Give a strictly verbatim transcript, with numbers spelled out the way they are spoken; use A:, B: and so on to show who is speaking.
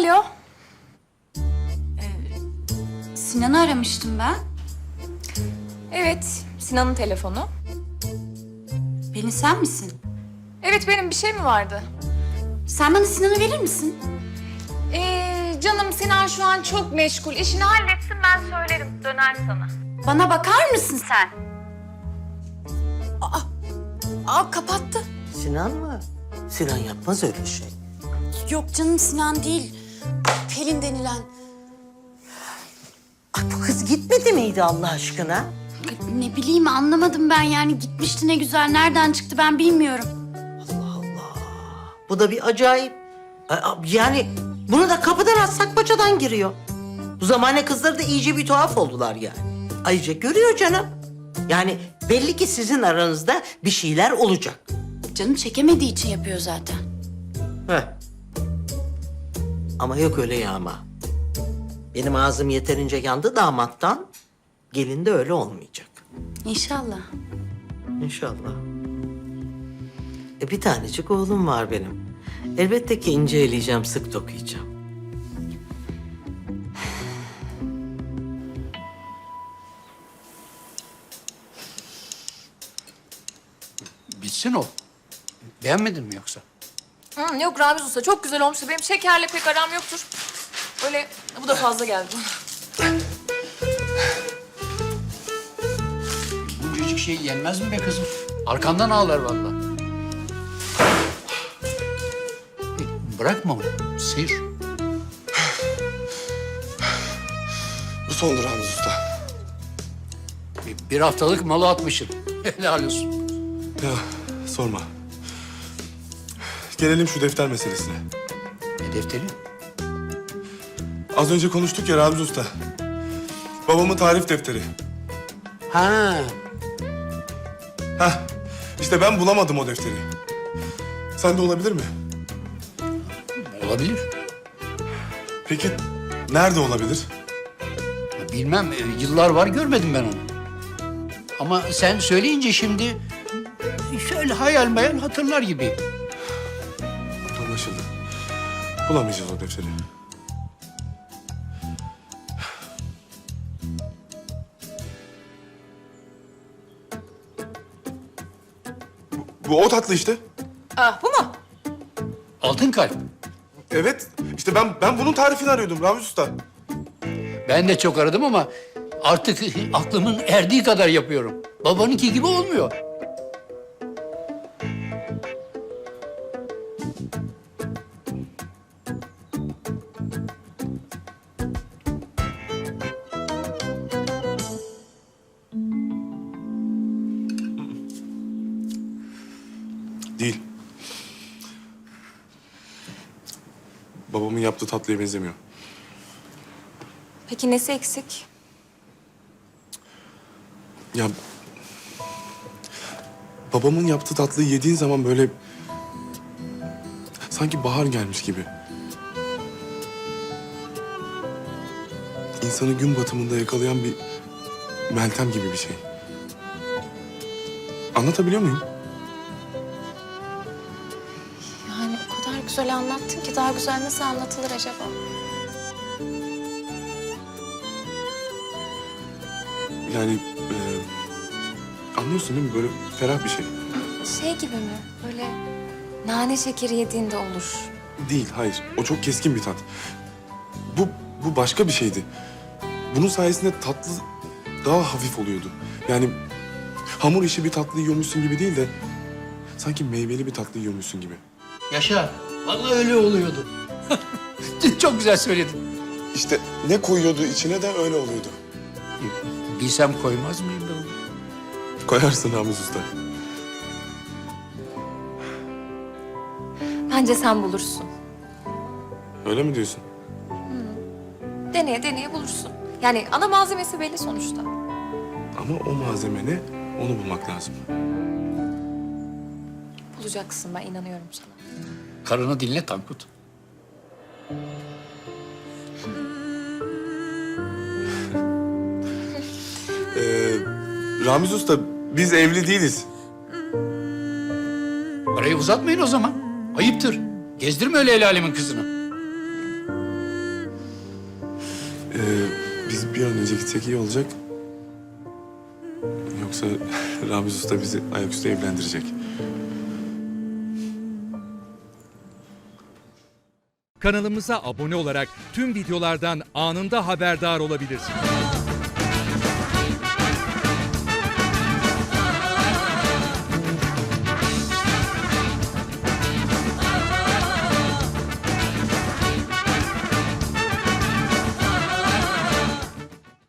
A: Alo.
B: Sinan'ı aramıştım ben.
A: Evet, Sinan'ın telefonu.
B: Pelin sen misin?
A: Evet, benim bir şey mi vardı?
B: Sen bana Sinan'ı verir misin?
A: Ee, canım Sinan şu an çok meşgul. İşini halletsin, ben söylerim. Döner sana.
B: Bana bakar mısın sen? Aa, aa kapattı.
C: Sinan mı? Sinan yapmaz öyle şey.
B: Yok canım Sinan değil. Pelin denilen.
C: Ay bu kız gitmedi miydi Allah aşkına?
B: Ne bileyim anlamadım ben yani gitmişti ne güzel. Nereden çıktı ben bilmiyorum.
C: Allah Allah. Bu da bir acayip. Ay, Yani bunu da kapıdan atsak paçadan giriyor. Bu zamane kızları da iyice bir tuhaf oldular yani. Ayrıca görüyor canım. Yani belli ki sizin aranızda bir şeyler olacak.
B: Canım çekemediği için yapıyor zaten.
C: Heh. Ama yok öyle yağma. Benim ağzım yeterince yandı damattan. Gelin de öyle olmayacak.
B: İnşallah.
C: İnşallah. E bir tanecik oğlum var benim. Elbette ki ince eleyeceğim, sık dokuyacağım.
D: Bitsin o. Beğenmedin mi yoksa?
A: Hı, yok Ramiz Usta, çok güzel olmuş. Benim şekerle pek aram yoktur. Öyle, bu da fazla geldi bana.
D: Buncacık şey yenmez mi be kızım? Arkandan ağlar vallahi. E, Bırakma onu, sıyır.
E: Bu sondur Ramiz Usta.
D: E, Bir haftalık malı atmışsın. Helal olsun.
E: Ya sorma. Gelelim şu defter meselesine.
D: Ne defteri?
E: Az önce konuştuk ya Ramiz Usta. Babamın tarif defteri.
D: Ha,
E: Heh, işte ben bulamadım o defteri. Sende olabilir mi?
D: olabilir.
E: Peki nerede olabilir?
D: Bilmem, e, yıllar var görmedim ben onu. Ama sen söyleyince şimdi şöyle hayal meyal hatırlar gibi.
E: Anlaşıldı. Bulamayacağız o defteri. Bu, bu o tatlı işte.
A: Ah, bu mu?
D: Altın kalp.
E: Evet. İşte ben ben bunun tarifini arıyordum Ramiz Usta.
D: Ben de çok aradım ama artık aklımın erdiği kadar yapıyorum. Babanınki gibi olmuyor.
E: Değil. Babamın yaptığı tatlıya benzemiyor.
A: Peki nesi eksik?
E: Ya babamın yaptığı tatlıyı yediğin zaman böyle sanki bahar gelmiş gibi. İnsanı gün batımında yakalayan bir Meltem gibi bir şey. Anlatabiliyor muyum?
A: Yani o kadar güzel anlattın ki daha güzel nasıl anlatılır acaba?
E: Yani e, anlıyorsun değil mi? Böyle ferah bir şey.
A: Şey gibi mi? Böyle nane şekeri yediğinde olur.
E: Değil, hayır. O çok keskin bir tat. Bu, bu başka bir şeydi. Bunun sayesinde tatlı daha hafif oluyordu. Yani hamur işi bir tatlı yiyormuşsun gibi değil de sanki meyveli bir tatlı yiyormuşsun gibi.
D: Yaşa. Vallahi öyle oluyordu. Çok güzel söyledin.
E: İşte ne koyuyordu içine de öyle oluyordu.
D: Bilsem koymaz mıyım ben onu?
E: Koyarsın Ramiz Usta.
A: Bence sen bulursun.
E: Öyle mi diyorsun?
A: Deneye deneye bulursun. Yani ana malzemesi belli sonuçta.
E: Ama o malzeme ne? Onu bulmak lazım.
A: Bulacaksın, ben inanıyorum sana.
D: Karını dinle Tankut.
E: Ee, Ramiz Usta, biz evli değiliz.
D: Parayı uzatmayın o zaman. Ayıptır. Gezdirme öyle el alemin kızını.
E: Ee, biz bir an önce gitsek iyi olacak. Yoksa Ramiz Usta bizi ayaküstü evlendirecek.
F: Kanalımıza abone olarak tüm videolardan anında haberdar olabilirsiniz.